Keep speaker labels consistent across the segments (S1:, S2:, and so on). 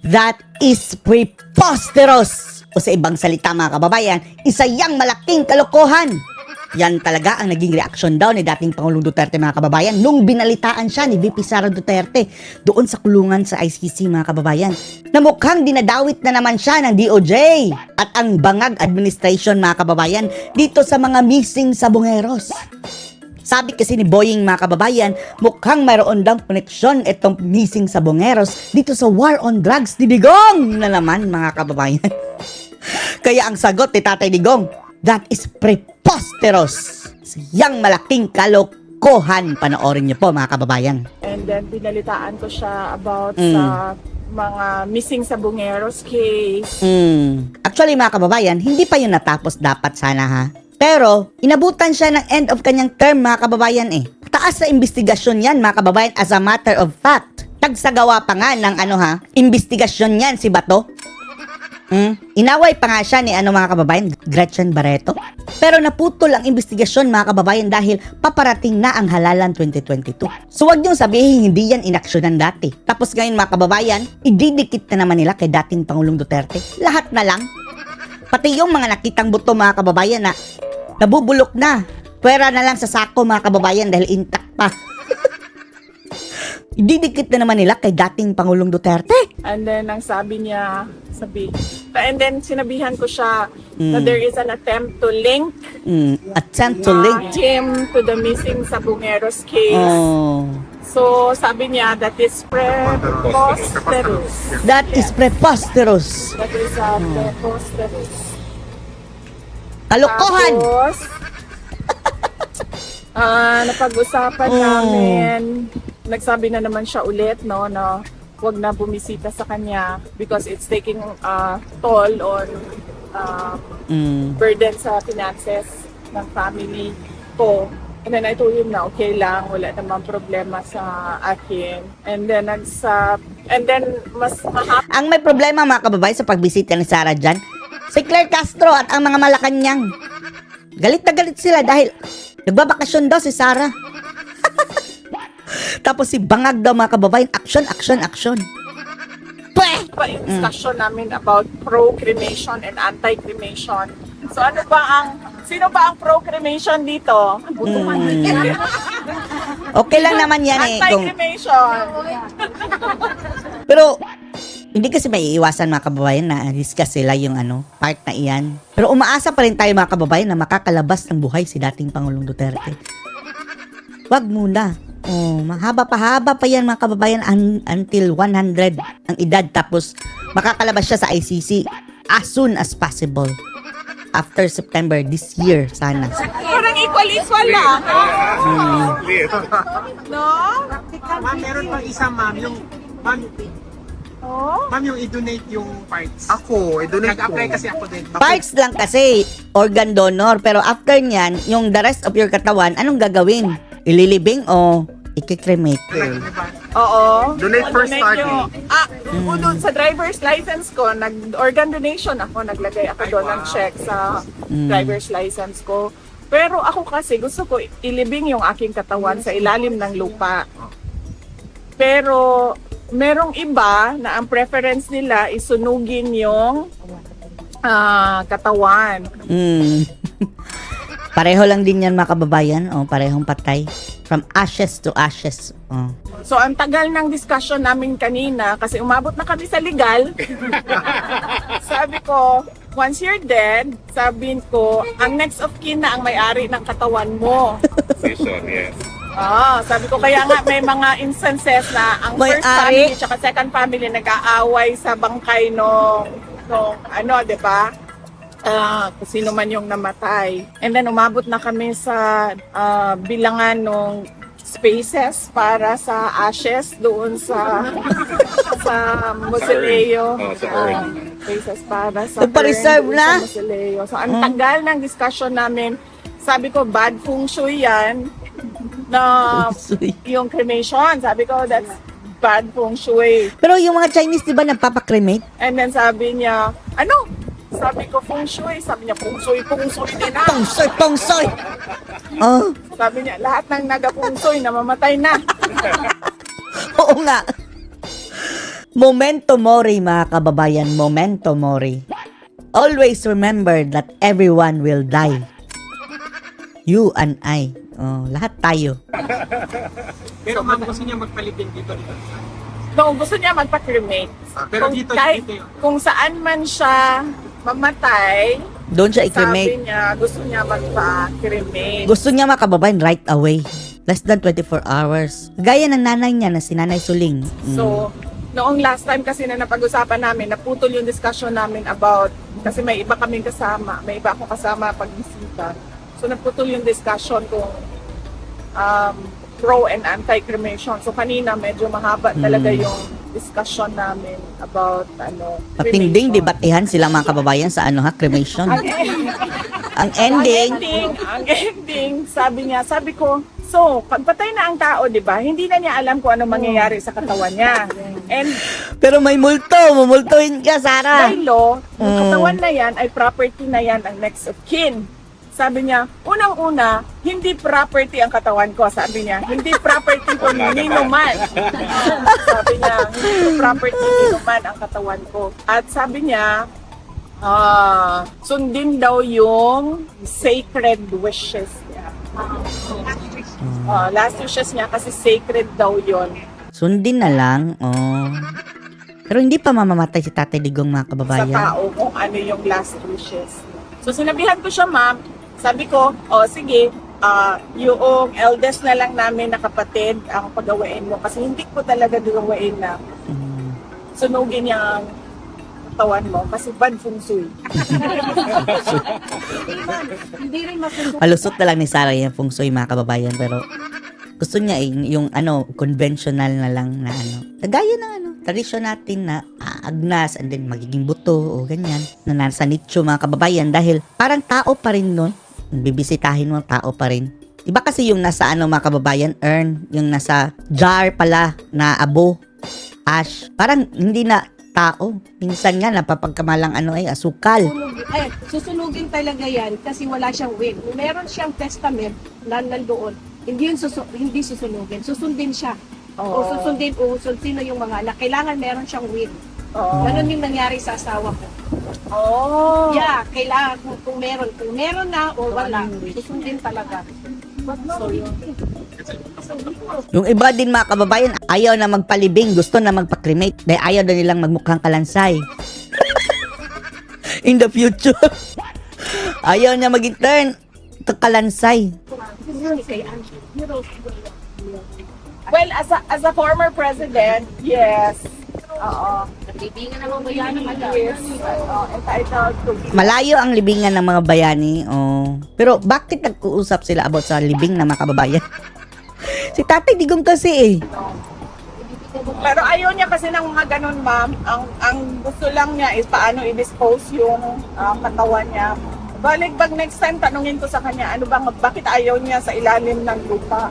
S1: That is preposterous! O sa ibang salita mga kababayan, isa yang malaking kalokohan. Yan talaga ang naging reaksyon daw ni dating Pangulong Duterte mga kababayan nung binalitaan siya ni VP Sara Duterte doon sa kulungan sa ICC mga kababayan. Na mukhang dinadawit na naman siya ng DOJ at ang bangag administration mga kababayan dito sa mga missing sabongeros. Sabi kasi ni Boying mga kababayan, mukhang mayroon daw koneksyon itong missing sabongeros dito sa war on drugs ni Digong na naman mga kababayan. Kaya ang sagot ni Tatay Digong, that is preposterous. Siyang malaking kalokohan. Panoorin niyo po mga kababayan.
S2: And then pinalitaan ko siya about sa mga missing sabongeros case.
S1: Actually mga kababayan, hindi pa yun natapos dapat sana ha. Pero, inabutan siya ng end of kanyang term mga kababayan eh. Taas na investigasyon yan mga kababayan as a matter of fact. Tagsagawa pa nga ng investigasyon yan si Bato. Inaway pa nga siya ni mga kababayan, Gretchen Barreto. Pero naputol ang investigasyon mga kababayan dahil paparating na ang halalan 2022. So wag niyong sabihin hindi yan inaksyonan dati. Tapos ngayon mga kababayan, ididikit na naman nila kay dating Pangulong Duterte. Lahat na lang. Pati yung mga nakitang buto mga kababayan na nabubulok na. Pwera na lang sa sako mga kababayan dahil intact pa. Ididikit na naman nila kay dating Pangulong Duterte.
S2: And then ang sabi niya, and then sinabihan ko siya na there is an attempt to link
S1: Attempt to link.
S2: him to the missing sabongeros case.
S1: Oh.
S2: So sabi niya that is preposterous.
S1: That is preposterous.
S2: That is preposterous.
S1: Kalokohan!
S2: Tapos, napag-usapan namin, nagsabi na naman siya ulit, no, na wag na bumisita sa kanya because it's taking toll on burden sa finances ng family ko. And then I told him na okay lang, wala namang problema sa akin. And then mas mahaba.
S1: Ang may problema mga kababayan sa pagbisita ni Sara dyan, si Claire Castro at ang mga Malacanang. Galit na galit sila dahil nagbabakasyon daw si Sara. Tapos si Bangag daw mga kababayan, action.
S2: Pa yung discussion namin about pro-cremation and anti-cremation. So sino ba ang pro-cremation dito?
S1: Okay lang naman yan eh.
S2: Anti-cremation.
S1: Pero hindi kasi may iiwasan mga kababayan na discuss sila yung part na iyan. Pero umaasa pa rin tayo mga kababayan na makakalabas ng buhay si dating Pangulong Duterte. Wag muna. Mahaba pa yan mga kababayan until 100 ang edad tapos makakalabas siya sa ICC as soon as possible. After September this year sana.
S2: Parang equal lang. No?
S3: Ma'am, meron pang isa ma'am, ma'am yung i-donate yung parts.
S4: Ako, i-donate ko.
S3: Nag-apply kasi ako din.
S1: Parts lang kasi, organ donor. Pero after nyan, yung the rest of your katawan, anong gagawin? Ililibing o ikikremate?
S2: Oo.
S4: Donate for starting.
S2: Doon sa driver's license ko, nag-organ donation ako. Naglagay ako doon ng check sa driver's license ko. Pero ako kasi gusto ko ilibing yung aking katawan sa ilalim ng lupa. Pero merong iba na ang preference nila isunugin yung katawan.
S1: Pareho lang din yan mga kababayan. Parehong patay. From ashes to ashes.
S2: So ang tagal ng discussion namin kanina kasi umabot na kami sa legal. Sabi ko, once you're dead, sabihin ko, ang next of kin na ang may-ari ng katawan mo.
S4: Yes.
S2: Sabi ko kaya nga may mga instances na ang first family at second family nag-aaway sa bangkay nung di ba? Kung sino man yung namatay. And then umabot na kami sa bilangan ng spaces para sa ashes doon sa mausoleo. Spaces para sa
S1: Nagpa-reserve
S2: urn
S1: na?
S2: sa mausoleo. So ang tagal ng discussion namin, sabi ko bad feng shui yan na yung cremation. Sabi ko that's bad feng shui.
S1: Pero yung mga Chinese di ba nagpapakremate?
S2: And then sabi niya, sabi ko feng shui. Sabi niya feng shui din na.
S1: Pongsoy!
S2: Sabi niya, lahat ng naga-feng shui namamatay na.
S1: Oo nga. Memento mori, mga kababayan. Memento mori. Always remember that everyone will die. You and I. Oh, lahat tayo.
S3: Pero ma'am, gusto niya magpalibing dito.
S2: No, gusto niya magpa-cremate.
S3: Pero
S2: Kung
S3: dito,
S2: kahit
S3: dito yun.
S2: kung saan man siya mamatay,
S1: Doon siya
S2: sabi
S1: i-cremate.
S2: niya, gusto niya magpa-cremate.
S1: Gusto niya, mga kababayan, right away. Less than 24 hours. Gaya ng nanay niya na si Nanay Suling.
S2: So, noong last time kasi na napag-usapan namin, naputol yung discussion namin about, kasi may iba kaming kasama, may iba akong kasama pag-bisita. So, naputol yung discussion kung pro and anti-cremation. So, kanina medyo mahaba talaga yung discussion namin about
S1: Patinding
S2: cremation.
S1: debatehan sila, mga kababayan, sa cremation. Ang ending,
S2: Ang ending, sabi ko, so, pagpatay na ang tao, di ba, hindi na niya alam kung ano mangyayari sa katawan niya. And
S1: pero may multo. Mumultuhin ka, Sarah.
S2: by law, yung katawan na yan ay property na yan ang next of kin. Sabi niya, unang-una, hindi property ang katawan ko. Sabi niya, hindi property ko nino man. Sabi niya, hindi property nino man ang katawan ko. At sabi niya, sundin daw yung sacred wishes niya. Last wishes niya kasi sacred daw yon.
S1: Sundin na lang. Oh. Pero hindi pa mamamatay si Tatay Digong, mga
S2: Sa
S1: kababayan.
S2: tao kung ano yung last wishes. So sinabihan ko siya, ma'am, sabi ko, sige, yung eldest na lang namin na kapatid ang pagawain mo kasi hindi ko talaga gawain na sunugin yung katawan mo kasi bad feng shui.
S1: Palusot na lang ni Sarah yung feng shui, mga kababayan. Pero gusto niya yung conventional na lang na kagaya ng tradisyon natin na agnas and then magiging buto o ganyan. Na nasa nicho, mga kababayan, dahil parang tao pa rin nun. Bibisitahin mo, tao pa rin. Iba kasi yung nasa mga kababayan, urn, yung nasa jar pala na abo, ash. Parang hindi na tao. Minsan nga napapagkamalang asukal.
S5: Susunugin talaga yan kasi wala siyang will. Kung meron siyang testament na nandoon, hindi susunugin. Susundin siya. O sino yung mga anak. Kailangan meron siyang will. Ganon yung nangyari sa asawa ko. Yeah, kailangan kung meron. Kung meron na o wala, susundin talaga. So, yun.
S1: Yung iba din, mga kababayan, ayaw na magpalibing, gusto na magpa-cremate. Dahil ayaw na nilang magmukhang kalansay. In the future. Ayaw niya mag-intern. Kalansay.
S2: Well, as a former president, yes.
S5: Libingan ng mga bayan ng
S2: Yes. Entitled to be.
S1: Malayo ang libingan ng mga bayani. Oh. Pero bakit nag-uusap sila about sa libing ng mga kababayan? Si Tatay Digong kasi
S2: Pero ayaw niya kasi ng mga ganun, ma'am. Ang gusto lang niya is paano i-dispose yung katawan niya. Balik pag next time, tanungin ko sa kanya, bakit ayaw niya sa ilalim ng lupa?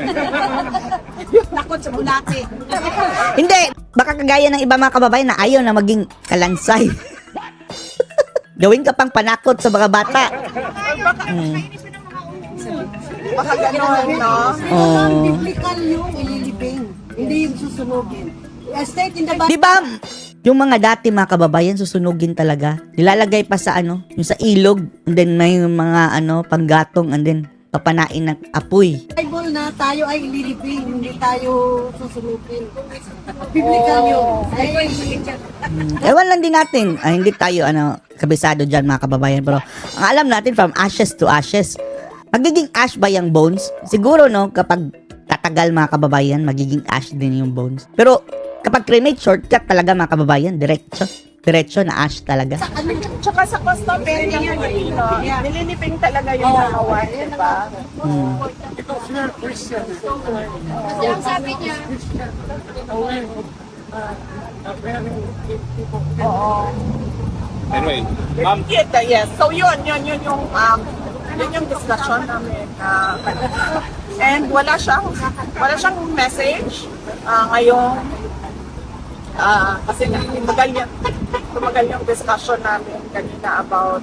S5: Nakot sa bulate.
S1: Hindi, baka kagaya ng iba, mga kababayan, na ayaw na maging kalansay. Gawin ka pang panakot sa mga bata.
S2: Baka ganun, no?
S1: Oh.
S5: Biblical yung ililibing. Hindi yung susunugin. State in the Bible.
S1: Di ba, yung mga dati, mga kababayan, susunugin talaga. Nilalagay pa sa yung sa ilog, and then may mga panggatong, and then papanain ng apoy.
S5: Bible na tayo ay ililibing, hindi tayo susunugin. Biblical yun.
S1: Ewan lang din natin, hindi tayo kabisado dyan, mga kababayan, pero ang alam natin, from ashes to ashes, magiging ash ba yung bones? Siguro, no, kapag tatagal, mga kababayan, magiging ash din yung bones. Pero kapag cremate, shortcut talaga, mga kababayan, diretso na ash talaga.
S2: Tsaka sa customary ng Pilipino, nililiping talaga yung katawan, di ba?
S5: Yung sabi niya,
S4: Anyway, ma'am,
S2: Yes. So yun yung discussion namin. And wala siyang message ngayon. Kasi tumagal yung discussion namin kanina about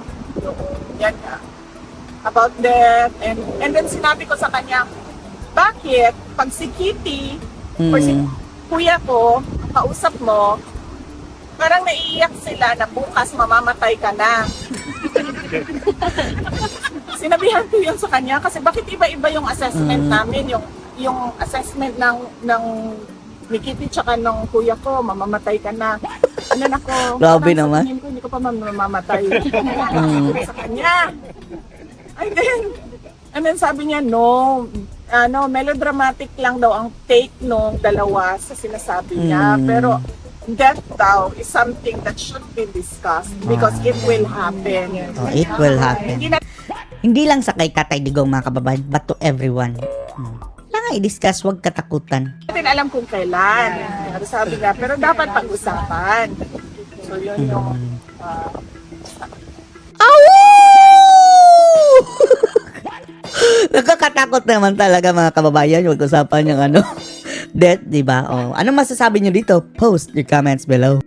S2: about death, and then sinabi ko sa kanya, bakit pag si Kitty or si kuya ko kausap mo, parang naiiyak sila na bukas mamamatay ka na. Sinabihan ko yun sa kanya kasi bakit iba-iba yung assessment namin, yung assessment ng ni Kitty tsaka ng kuya ko, mamamatay ka na. Ano na ko?
S1: Grabe
S2: parang
S1: naman.
S2: sa tingin ko, hindi ko pa mamamatay. Sa kanya. And then sabi niya, no, melodramatic lang daw ang take nung dalawa sa sinasabi niya. Pero death daw is something that should be discussed because it will happen.
S1: Oh, it will happen.
S2: Hindi na
S1: Hindi lang sa kay Katay Digong mga kababayan, but to everyone. Kailangan i-discuss, huwag katakutan.
S2: natin alam kung kailan. Pero sabi nga, pero dapat pag-usapan. So yun yung...
S1: Nakakatakot naman talaga mga kababayan, huwag usapan yung death, di ba? Oh, ano masasabi nyo dito? Post your comments below.